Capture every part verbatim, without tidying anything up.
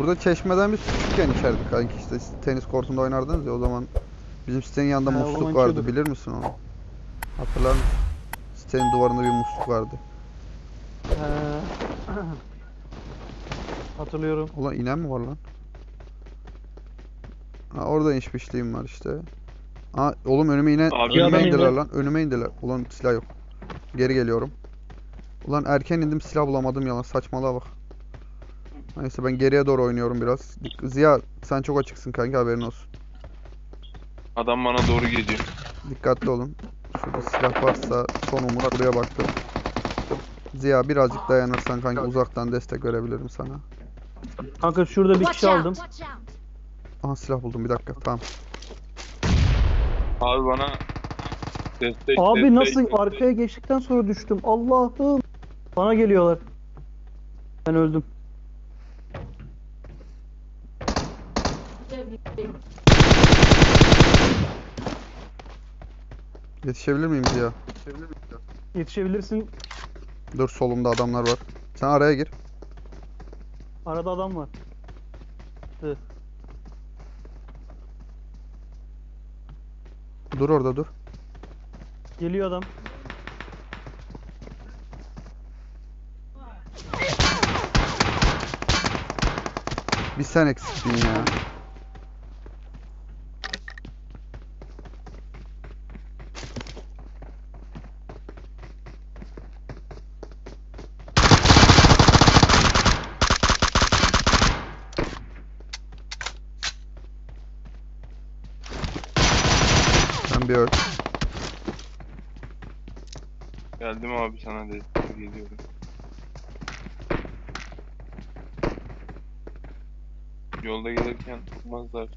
Burada çeşmeden biz küçükken içerdik kanki, işte tenis kortunda oynardınız ya o zaman. Bizim sitenin yanında Ha, o musluk zaman vardı, içiyorduk. bilir misin onu? Hatırlar mısın? Sitenin duvarında bir musluk vardı. He. Hatırlıyorum. Ulan inen mi var lan? Ha, orada inişmişliğim var işte. Aa, oğlum önüme inen, Abi, Bir önüme adam indiler indi. lan, önüme indiler. Ulan silah yok. Geri geliyorum. Ulan erken indim, silah bulamadım, yalan, saçmalığa bak. Neyse ben geriye doğru oynuyorum biraz. Ziya sen çok açıksın kanka, haberin olsun. Adam bana doğru geliyor. Dikkatli olun. Şurada silah varsa son umut, buraya baktım. Ziya birazcık dayanırsan kanka uzaktan destek verebilirim sana. Kanka şurada bir Watch kişi out! aldım. Watch out! Aha silah buldum, bir dakika, tamam. Abi bana destek Abi destek, nasıl destek. arkaya geçtikten sonra düştüm. Allah'ım. Bana geliyorlar. Ben öldüm. Yetişebilir miyim Ziya? Yetişebilirsin. Dur, solumda adamlar var. Sen araya gir. Arada adam var. Hı. Dur orada dur. Geliyor adam. Bir sen eksiktin ya. Sen bir öl. Geldim abi, sana destek geliyorum. Yolda gelirken tutmazlar.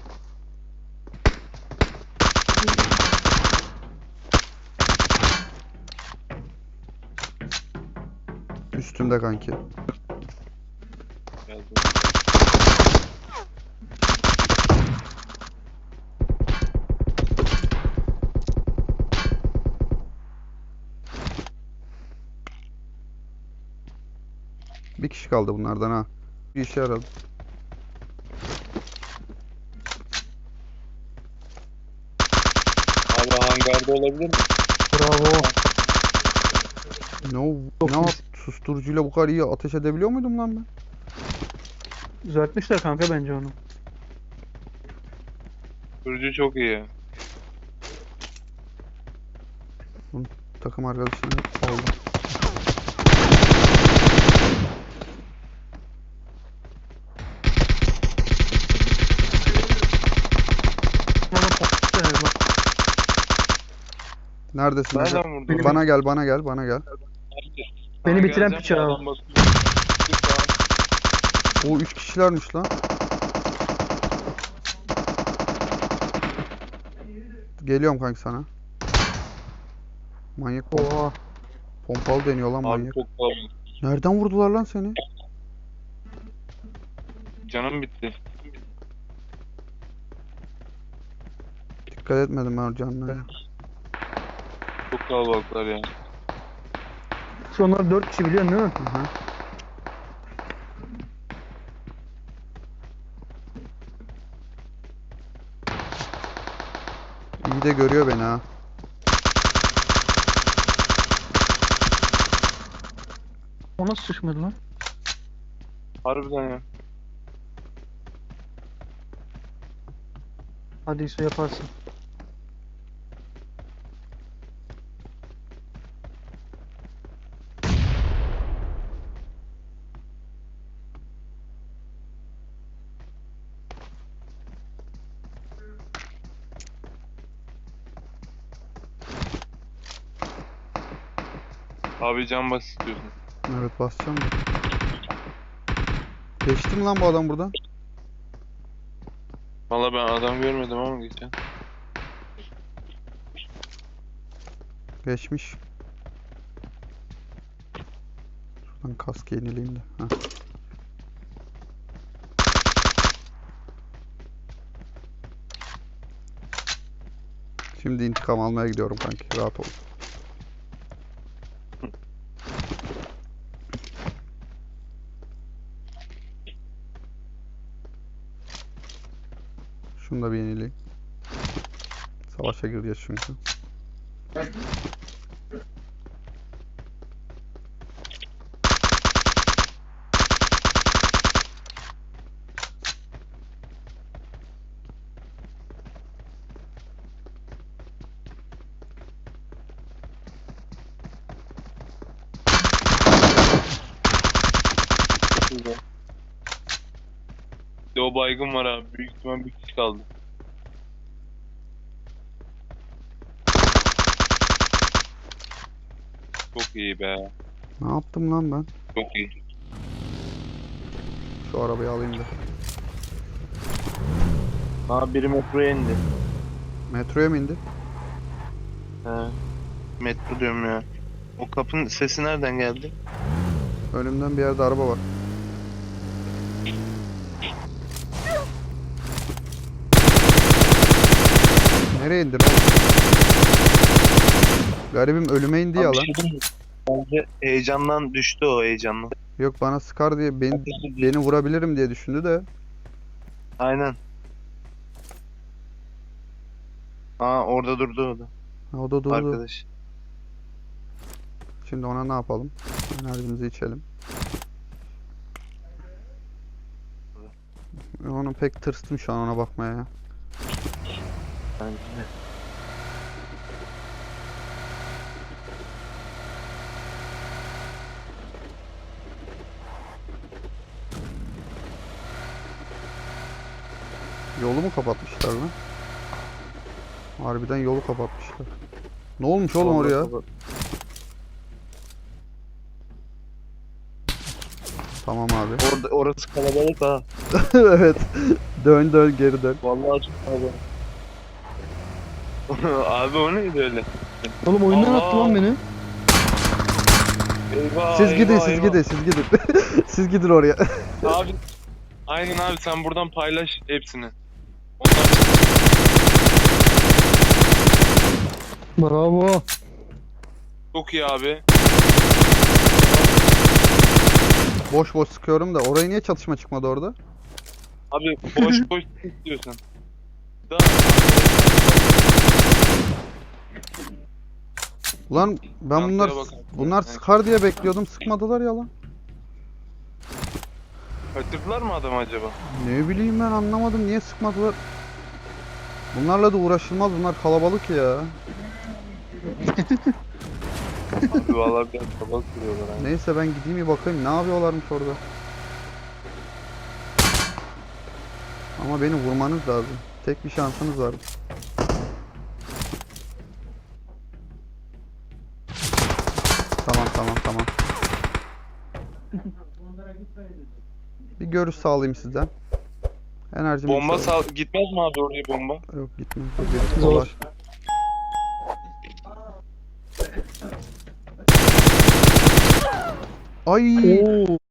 Üstümde kanki. Geldim. Bir kişi kaldı bunlardan ha. Bir işe yaradı. Abi hangarda olabilir mi? Bravo. Ne, o- Çok ne iyi. yap? Susturucuyla bu kadar iyi ateş edebiliyor muydum lan ben? Düzeltmişler kanka bence onu. Sürücü çok iyi. Takım arkadaşını oldu. Ama patladı yani bak. Neredesin? Ece? Nereden vurdu? Bana gel, bana gel, bana gel. Beni Sana bitiren geleceğim, piç abi. adam bakıyor. Lütfen. O üç kişilermiş lan. Geliyorum kanki sana. Manyak pom- Oha. pompalı deniyor lan Abi manyak. çok kalabalık. Nereden vurdular lan seni? Canım bitti. Dikkat etmedim ben o canına ya. Çok kalabalıklar yani. Sonra dört kişi biliyorsun değil mi? Aha. İyi de görüyor beni ha. O nasıl sıçmadı lan? Harbiden ya. Hadi İso yaparsın. Abi can bas istiyorsun. Evet, basacağım da. Geçti mi lan bu adam buradan? Valla ben adam görmedim ama geçen. Geçmiş. Şuradan kaskı yenileyim de. Heh. Şimdi intikam almaya gidiyorum kanki. Rahat ol. Şunu da bir yenileyim. Savaşa gireceğiz çünkü. Güzel. Bir de o baygın var abi. Büyük ihtimal bir kişi kaldı. Çok iyi be. Ne yaptım lan ben? Çok iyi. Şu arabayı alayım da. Abi biri metroya indi. Metroya mı indi? He. Metro diyorum ya. O kapının sesi nereden geldi? Önümden bir yerde araba var. Nereye indin oğlum? Garibim ölüme indi ya Abi bir lan. şey diyeyim mi? Bence heyecandan düştü o heyecandan. Yok bana sıkar diye beni, beni vurabilirim diye düşündü de. Aynen. Aa orada durdu o da. Ha, o da durdu. Arkadaş. Şimdi ona ne yapalım? Enerjimizi içelim. Onu pek tırstım şu an ona bakmaya ya. Bence de. Yolu mu kapatmışlar lan? Harbiden yolu kapatmışlar. Ne olmuş oğlum Vallahi oraya? kapat- Tamam abi. Orada, orası kalabalık ha. Evet. Dön dön geri dön. Vallahi çok kalabalık. Abi o neydi öyle? Oğlum oyundan Allah. attı lan beni. Eyvah, Siz gidin eyvah, siz eyvah. gidin siz gidin. Siz gidin oraya. Abi. Aynen abi sen buradan paylaş hepsini. Ondan Bravo. çok iyi abi. Boş boş sıkıyorum da oraya niye çatışma çıkmadı orada? Abi boş boş istiyorsun. Daha Ulan ben bunlar Arkaya bak. bunlar sıkar diye bekliyordum. Sıkmadılar ya lan. kaçırdılar mı adamı acaba? Ne bileyim ben anlamadım niye sıkmadılar. Bunlarla da uğraşılmaz bunlar kalabalık ya. Abi vallahi biraz kalabalık duruyorlar abi. Neyse ben gideyim bir bakayım ne yapıyorlarmış orada. Ama beni vurmanız lazım. Tek bir şansınız var. Tamam tamam tamam. Bir görüş sağlayayım sizden. Enerjimi Bomba yükselteyim. sal gitmez mi abi oraya bomba? Yok gitmiyor. Gerisi Zor. kolay. Ay Oo.